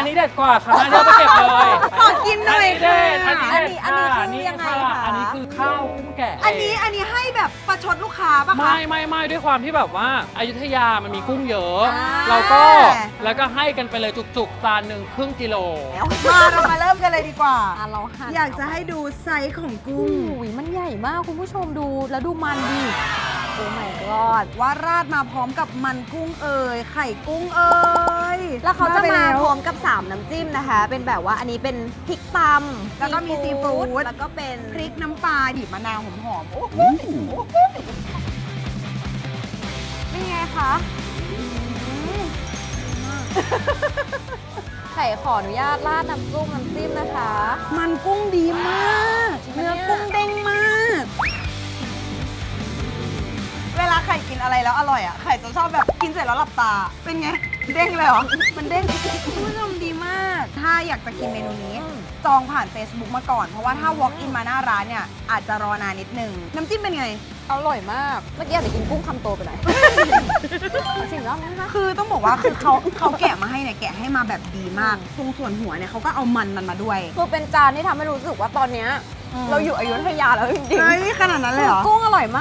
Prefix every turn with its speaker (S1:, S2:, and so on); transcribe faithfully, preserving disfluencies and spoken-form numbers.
S1: อันนี้เด็ดกว่าค่ะเดี๋ยวไปเก็บเลย
S2: ขอกินหน่อย
S1: เด็
S2: ค่ะ
S1: ดอันนี้
S3: อัน
S1: เด็ด
S3: นี้อันนี้คือยังไง
S1: ค่ะ
S3: คะ
S1: อันนี้คือข้าวกุ้งแกะ
S2: อันนี้อันนี้ให้แบบประชดลูกค้าป่ะคะ
S1: ไม่ไม่ไม่ด้วยความที่แบบว่าอยุธยามันมีกุ้งเยอะ
S2: อ่า
S1: เราก็แล้วก็ให้กันไปเลยจุกๆจานหนึ่งครึ่งกิโล
S2: มาเรามาเริ่มกันเลยดีกว่า
S3: อ่ะเราหั่น
S2: อยากจะให้ดูไซส์ของกุ้ง
S3: อุ้ยมันใหญ่มากคุณผู้ชมดูแล้วดูมันดิโอ้ my god
S2: ว่าราดมาพร้อมกับมันกุ้งเอ่ยไข่กุ้งเอ่ย
S3: แล้วเขาจะ
S2: ไป
S3: มา
S2: แล้ว
S3: พร้อมกับ สาม น้ำจิ้มนะคะ เป็นแบบว่าอันนี้เป็นพริกตำ
S2: แล้วก็มีซีฟู้ด
S3: แล้วก็เป็น
S2: พริกน้ำปลาดิบมะนาวหอมๆโอ้โห
S3: เป็นไงคะไข่ขออนุญาตราดน้ำซุปน้ำจิ้มนะคะ
S2: มันกุ้งดีมาก
S3: จริงปะเนี่ย
S2: เนื้อกุ้งเด้งมาก เวลาไข่กินอะไรแล้วอร่อยอ่ะ ไข่จะชอบแบบกินเสร็จแล้วหลับตา เป็นไง เด้งเลยเหรอ มันเด้งคุณผู้ชมดีมาก ถ้าอยากจะกินเมนูนี้ จองผ่าน Facebook มาก่อน เพราะว่าถ้า walk in มาหน้าร้านเนี่ย อาจจะรอนานนิดนึง น้ำจิ้มเป็นไง
S3: อร่อยมาก เมื่อกี้อาจจะกินกุ้งคำโตไปหน่อย เอาชิมแล้วนะคะ
S2: คือต้องบอกว่าคือเขาเขาแกะมาให้เนี่ยแกะให้มาแบบดีมาก ตรงส่วนหัวเนี่ยเขาก็เอามันมันมาด้วย
S3: คือเป็นจานที่ทำให้รู้สึกว่าตอนเนี้ย
S2: อืม
S3: เราอยู่อยุธยาแล้วจริง
S2: เฮ้ยขนาดนั้นเลยเหรอ
S3: ๆกุ้งอร่อยมาก